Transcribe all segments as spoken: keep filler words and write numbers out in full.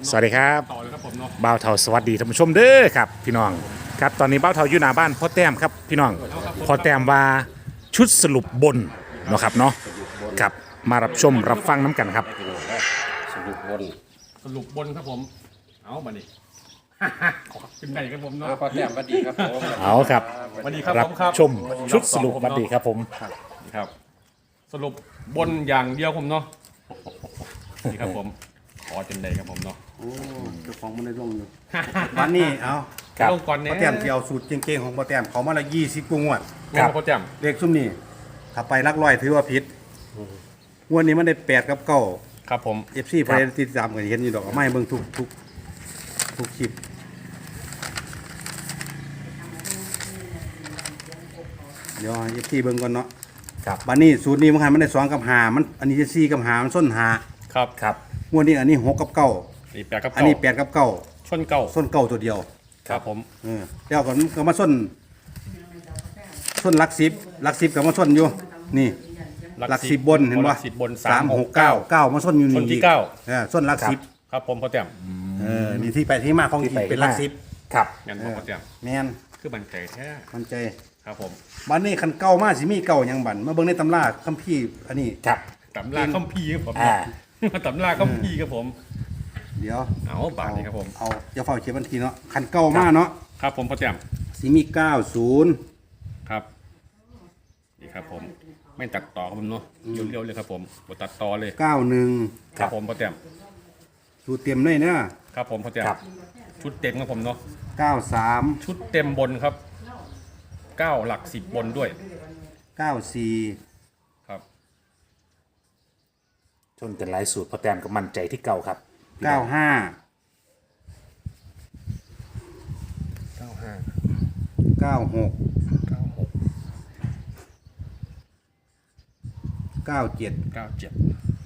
สวัสดีครับต่อเลยครับผมเนาะบ่าวเทาสวัสดีท่านผู้ชมเด้อครับพี่น้องครับตอนนี้บ่าวเทาอยู่หน้าบ้านพ่อแต้มครับพี่น้องพ่อแต้มว่าชุดสรุปบนเนาะครับเนาะครับมารับชมรับฟังน้ำกันครับสรุปบนสรุปบนครับผมเอามาดิ ขอขึ้นไหนครับผมเนาะเอาพอแต้มสวัสดีครับผมเอาครับสวัสดีครับรัผบมครับชมชุดสรุปสวัสดีครับผมนี่ครับ สรุปบนอย่างเดียวผมเนาะนี่ครับผมขอจนใดครับผมเนาะโอ้เจ้าของมันได้ลงอยู่ วันนี้เอาครับลงก่อนเนี่ยพ่อแต้มที่เอาสูตรเก่งๆของพ่อแต้มเขามาละยี่สิบกว่างวดคครัรับบ พ่อแจ่มเลขซุ่มนี้ถ้าไปลักร้อยถือว่าผิดงวดนี้มันได้แปดกับเก้าครับผมเอฟซีพอได้ติดตามกันเห็นอยู่ดอกเอาไม่เบิ่งทุกทุกทุกคลิปเดี๋ยวเอฟซีเบิ่งก่อนเนาะครับบัดนี้สูตรนี้มันหันมันได้สองกับหามันอันนี้จะสี่กับหามันส้นหาครับครับงวดนี้อันนี้หกกับเก้านี่แปดกับอันเก้านี้แปดกับเก้าชนเก้าส้นเก้าตัวเดียวครับผมเออเดี๋ยวก่อนก็มาส้นส้นหลักสิบหลักสิบกับมาส้นอยู่นี่หลักสิบบนเห็นหปะลักสิบบนสามหกเก้าเก้าเก้ามาส้นอยู่นี่ส้นที่เก้าเออส้นหลักสิบครับผมพ่อแจ่มเออนี่ที่ไปที่มาของที่ที่ไปเป็นหลักสิบครับงั้นบอกพ่อแจ่มแมนคือบันใจแท้มันใจครับผมบันนี้คันเก้ามาสิมีเก้าหยังบันมาเบิ่งในตำราคัมภีร์อันนี้ครับตำราคัมภีร์ครับผมอ่าตำราคัมภีร์ครับผมเดี๋ยวเอาบาทนี้ครับผมเอาอย่าเฝ้าเขียนบันทีเนาะคันเก้ามาเนาะครับผมพ่อแจ่มสิมีเก้าศูนย์ครับนี่ครับผมไม่ตัดต่อครับผมเนาะเร็วๆเลยครับผมบตัดต่อเลยเก้าหนึ่งครับผมพ่อแจ่มสูตรเต็มเลยเนาะครับผมพ่อแจ่มครับชุดเต็มครับผมเนาะเก้าสามชุดเต็มบนครับเก้าหลักสิบบนด้วยเก้าสี่ครับชนกันหลายสูตรพ่อแต้มก็มั่นใจที่เก่าครับเก้าห้าเก้าห้าเก้าหกเก้าหกเก้าเจ็ดเก้าเจ็ด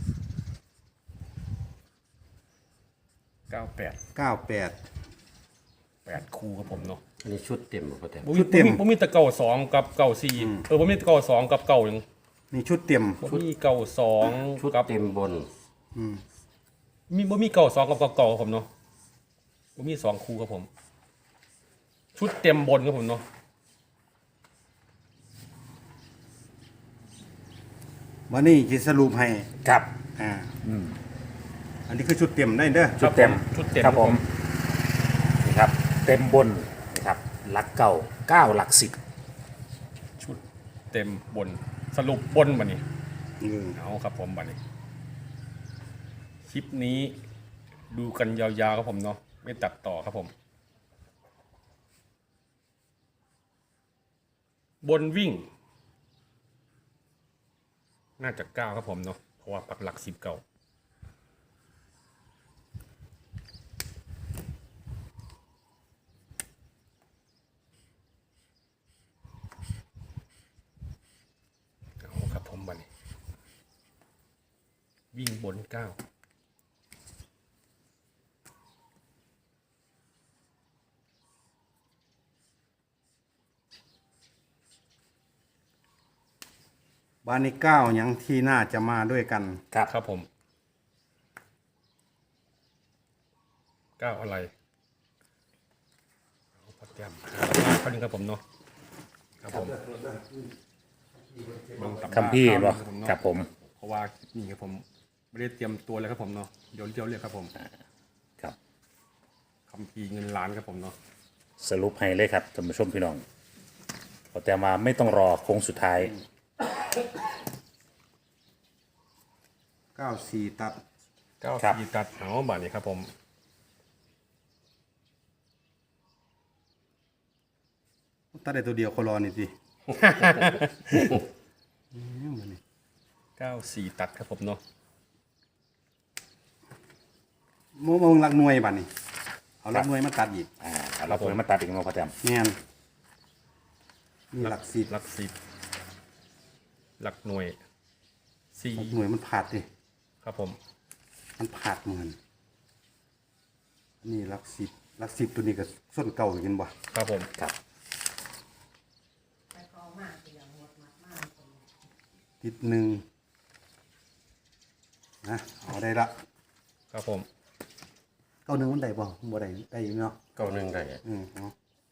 เก้าแปดเก้าแปดแปดคู่ครับผมเนาะอันนี้ชุดเต็มพอแต้มผมชุดเต็มผมมีแต่เก้าสองกับเก้าสี่เออผมมีแต่เก้าสองกับเก้าหนึ่งนี่ชุดเต็มผมมีเก้าสองชุดกับเต็มบนมีบ่มีเก่าสองกับเก่าเก่าครับผมเนาะบ่มีสองคู่ครับผม ชุดเต็มบนครับผมเนาะวันนี้จะสรุปให้ครับอ่าอันนี้คือชุดเต็มได้เด้อชุดเต็มชุดเต็มครับผมนี่ครับเต็มบนนะครับหลักเก่าเก้าหลักสิบชุดเต็มบนสรุปบนบันนี้อืมเอาครับผมบันนี้คลิปนี้ดูกันยาวๆครับผมเนาะไม่ตัดต่อครับผม บนวิ่ง น่าจะเก้าครับผมเนาะเพราะว่าปักหลักสิบเก่าเอาครับผมบันนี้วิ่งบนเก้าบ้านนี้เก้าหยังที่น่าจะมาด้วยกันครับครับผมเก้าอะไรเอาพอแก้มเขาหนึ่งครับผมเนาะครับผมเบิ่งตำราคัมพี่บ่ผมเนาะครับผมเพราะว่านี่ครับผมไม่ได้เตรียมตัวเลยครับผมเนาะเดี๋ยวเดี๋ยวเรียกครับผมครับคัมภีร์เงินล้านครับผมเนาะสรุปให้เลยครับท่านผู้ชมพี่น้องพ่อแต้มมาไม่ต้องรอโค้งสุดท้ายเก้าสี่ตัดเก้าครับสี่ตัดเอาบาทนี้ครับผมตัดได้ตัวเดียวคนรอนี่สิเก้าสี่ตัดครับผมเนาะโมโมงหลักหน่วยบัดนี้เอาหลักหน่วยมาตัดอีกอ่าเอาเราควรมาตัดอีกมั้งพ่อแต้มแม่นนี่หลักสิบหลักสิบหลักหน่วยสี่หลักหน่วยมันผาดดิครับผมมันผาดเหมือนนี่หลักสิบหลักสิบตัวนี้ก็ส้นเก่าอยู่กันบ่ครับผมครับติดหนึ่งนะเอาได้ละครับผมเก้าหนึ่งมันได้บ่บ่ได้ได้อยู่เนาะเก้าหนึ่งได้อืมเอา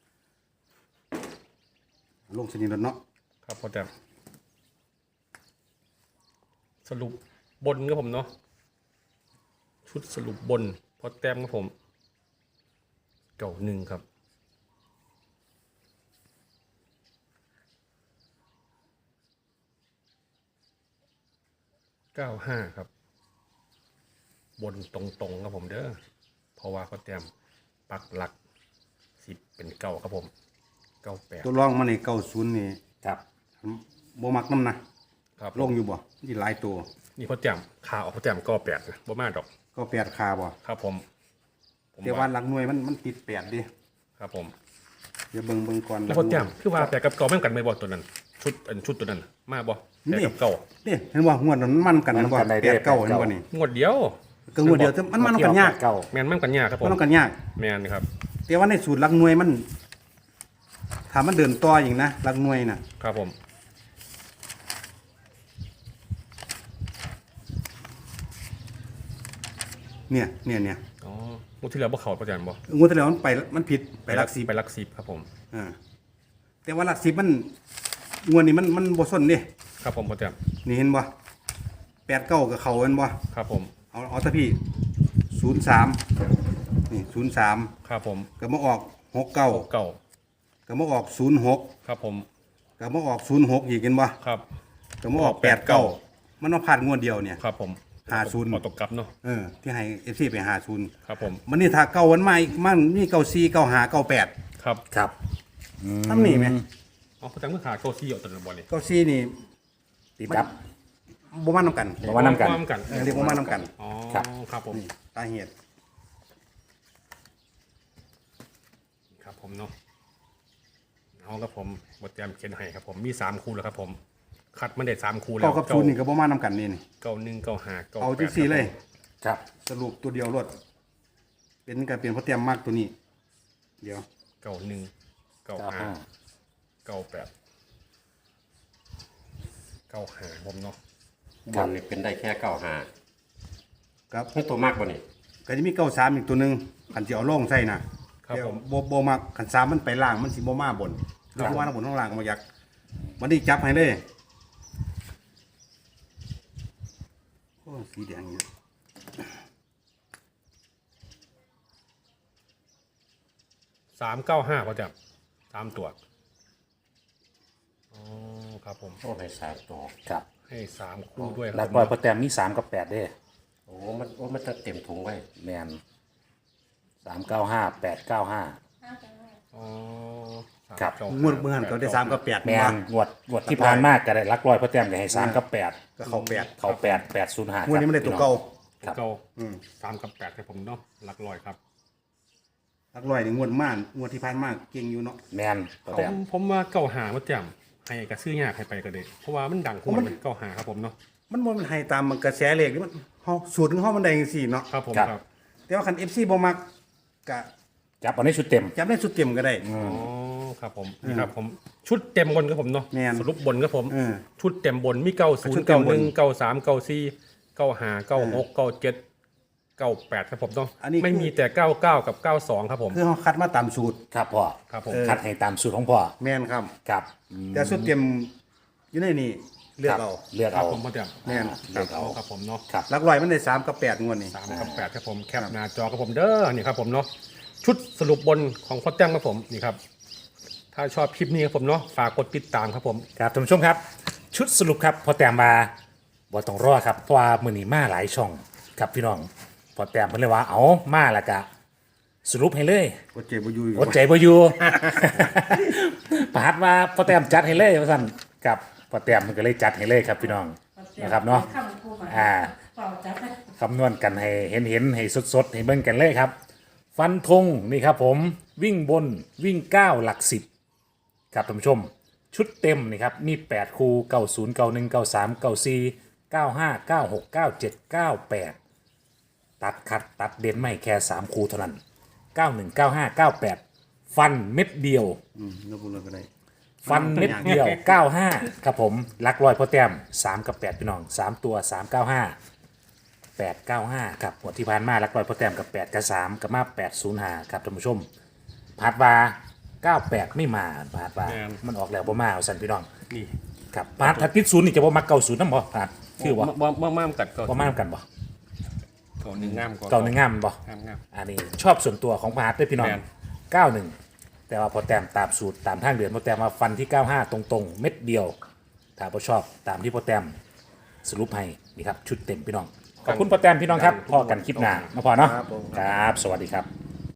ลงสนิทแล้วเนาะครับพอแต้มสรุปบนครับผมเนาะชุดสรุปบนพอแต้มครับผมเก่าหนึ่งครับเก้าห้าครับ บนตรงๆครับผมเด้อเพราะว่าเขาเตรียมปักหลักสิบเป็นเก้าครับผมเก้าแปดตัวรองมันนี่เก้าศูนย์นี่ครับบ่มักน้ำนะครับ ลงอยู่บ่นี่หลายตัวนี่เขาเตรียมขาออกเขาเตรียมเก้าแปดนะบ่มาดอกก็แปดคาบ่ครับผมผมแต่ว่าหลักหน่วยมันมันติดแปดดิครับผมเดี๋ยวเบิ่งเบิ่งก่อนแล้วเขาเตรียมคือว่าแปดกับเก้าแม่งกันไม่บ่ตัวนั้น ชุดอันชุดตัวนั้นมาบ่แปดกับเก้านี่เห็นบ่งวดนั้นมันมันกันนะบ่แปดเก้าเห็นบ่นี่งวดเดียวก็งวดเดียวแต่มันมันกันยากเก้าแมนแม่งกันยากครับผมมันกันยากแมนครับแต่ว่าในสูตรหลักหน่วยมันถ้ามันเดินต่ออย่างนะหลักหน่วยน่ะครับผมเนี่ยเนี่ยเนี่ยอ๋องวดที่แล้วบ่เข้าประจันบ่งวดที่แล้วมันไปมันผิดไปหลักสิบไปหลักสิบครับผมอ่าแต่ว่าหลักสิบมันงวดนี้มันมันบ่ส้นเด้ครับผมประจันนี่เห็นบ่แปดเก้ากับเขาเห็นบ่ครับผมเอาเอาซะพี่ศูนย์สามนี่ศูนย์สามครับผมก็มาออกหกเก้าเก้าก็มาออกศูนย์หกครับผมก็มาออกศูนย์หกอีกเห็นบ่ครับก็มาออกแปดเก้ามันมาผ่านงวดเดียวเนี่ยครับผมห้าศูนย์ขอตกกลับเนาะเออที่ให้เอฟซีไปหาศูนย์ครับผมมันนี่ถ้าเก้าวันมาอีกมันมีเก้าสี่เก้าห้าเก้าแปดครับครับทำนี่ไหมอ๋อประจันเมื่อขาเก้าซี่เอาตัวนั้นบ่นี่เก้าสี่นี่ติดดับบ่มานำกันบ่มานำกันว่กันเออเรียกบ่มานำกันอ๋อครับครับผมนี่สาเหตุครับผมเนาะเอาครับผมบทเตรียมเขียนให้ครับผมมีสามคู่แล้วครับผมคัดมาได้สามคู่แล้วเก้ากับศูนย์นี่ก็บ่มานำกันนี่นี่เก้าหนึ่งเก้าห้าเก้าเอาแปจัดงสี่เลยครับสรุปตัวเดียวรวดเป็นการเปลี่ยนเพราะเตรียมมากตัวนี้ เดี๋ยวเก้าหนึ่งเก้าเก้าห้าห้าเก้าแปดเก้าห้าผมเนาะบนนี่เป็นได้แค่เก้าห้าครับนี่ตัวมากบ่นี่ก็จะมีเก้าสามอีกตัวหนึงขันจะเอาล่องใส่นะครับผมโบโบมากขันสามมันไปล่างมันสิโบมาบนแล้วว่าทั้งบนทั้งล่างมาอยากมันได้จับให้เลยโอ้สีแดงอยู่สามเก้าห้าพอจับสามตัวอ๋อครับผมโอ้ให้สามตัวครับให้สามคู่ด้วยคหลัรักบร้อยพอแต้มมีสามกับแปดเด้โอ้มันโอ้มันจะเต็มถุงไว้แมนสามเก้าห้าแปดเก้าห้าอ๋อสามครับเก้างวดเมื่อหันก็ได้สามกับแปดแมมานงวดงวดที่ผ่านมากก็ได้หลักร้อยพอแต้มก็ให้สามกับแปดก็เขาแปดเขาแปดแปดศูนย์ห้างวดนี้มันได้ตัวเก่าครับเก้าอืมสามกับแปดครับผมเนาะหลักร้อยครับหลักร้อยนี่งวดมากงวดที่ผ่านมากเก่งอยู่เนาะแมนพอผแต้มมผมว่าเก้าหามาจำให้กระซื้อยากให้ไปก็ได้เพราะว่ามันดังคู่มันเก้าหาครับผมเนาะมันบ่มันให้ตามมันกระแสเลขนี่มันเฮาสูตรของเฮามันได้จังซี่เนาะครับผมครับแต่ว่าคัน เอฟ ซี บ่มักก็จับเอาในชุดเต็มจับได้สุดเต็มก็ได้อ๋อครับผมนี่ครับผมชุดเต็มบนครับผมเนาะแม่นสรุปบนครับผมเออชุดเต็มบนมีเก้าศูนชุดย์เต็เก้าม หบนนึ่งเก้าสามเก้าสี่เก้าห้าเก้าหกเก้าเจ็ดเก้าแปดครับผมเนาะอันนี้คือไม่มีแต่เก้าเก้ากับเก้าสองครับผมคือเฮาคัดมาตามสูตรครับพ่อครับผมคัดให้ตามสูตรของพ่อแม่นครับครับอืมแต่สุดเต็มอยู่ในนี่เลือกเอาเลือกครัเอาบผมพ่อเดียวแม่นเลือกเอาครับผมเนาะครับหลักร้อยมันได้สามกับแปดงวดนี่สามกับแปดครับผมแคปหน้าจอครับผมเด้อนี่ครับผมเนาะชุดสรุปบนของพ่อแจ้งครับผมนี่ครับถ้าชอบคลิปนี้ครับผมเนาะฝากกดติดตามครับผมครับท่านผู้ชมครับ ชุดสรุปครับพอแต้มมาบ่ต้องรอครับเพราะว่ามือนี้มาหลายช่องครับพี่น้องพอแต้มเพิ่นเลยว่าเอามาแล้วก็สรุปให้เลยบ่เจ็บบ่อยู่อยู่อดใจบ่อยู่ ประหัดว่าพอแต้มจัดให้เลยว่าซั่นกับพอแต้มมันก็เลยจัดให้เลยครับพี่น้องนะครับเนาะอ่าคำนวณกันให้เห็นเห็นๆให้สดๆให้เบิ่งกันเลยครับ ฟันธงนี่ครับผมวิ่งบนวิ่งเก้าหลักสิบครับท่านผู้ชม ชุดเต็มนี่ครับมีแปดคู่เก้าศูนย์เก้าหนึ่งเก้าสามเก้าสี่เก้าห้าเก้าหกเก้าเจ็ดเก้าแปดตัดคัดตัดเด่นไม่แค่สามคู่เท่านั้นเก้าหนึ่งเก้าห้าเก้าแปดฟันเม็ดเดียวอืมยกมือก็ได้ฟันเม็ดเดียว เก้าห้าครับผมลักลอยพอแต้มสามกับแปดพี่น้องสามตัวสามเก้าห้าแปดเก้าห้าครับหัวดที่ผ่านมาหลักร้อยพอแต้มกับแปดกับสามกับมาแปดศูนย์ห้าครับท่านผู้ชมพาดว่าเก้าแปดไม่มาพาดว่ามันออกแล้วบ่มาเอาสั่นพี่น้องนี่ครับพาดถ้าติดศูนย์นี่จะบ่มักเก้าศูนย์นำบ่พาดคือบ่บ่บ่มามกัดก็บ่มานํกันบ่เก่าหนึ่งงามเก้าหนึ่งงามบ่งามงามอันนี้ชอบส่วนตัวของพาดเด้อพี่น้องแม่นเก้าหนึ่งแต่ว่าพอแต้มตามสูตรตามทางเดือนพอแต้มมาฟันที่เก้าห้าตรงๆเม็ดเดียวถ้าบ่ชอบตามที่พอแต้มสรุปให้นี่ครับชุดเต็มพี่น้องขอบคุณพอแต้มพี่น้องครับพอกันคลิปหน้ามาพอเนาะครับสวัสดีครับ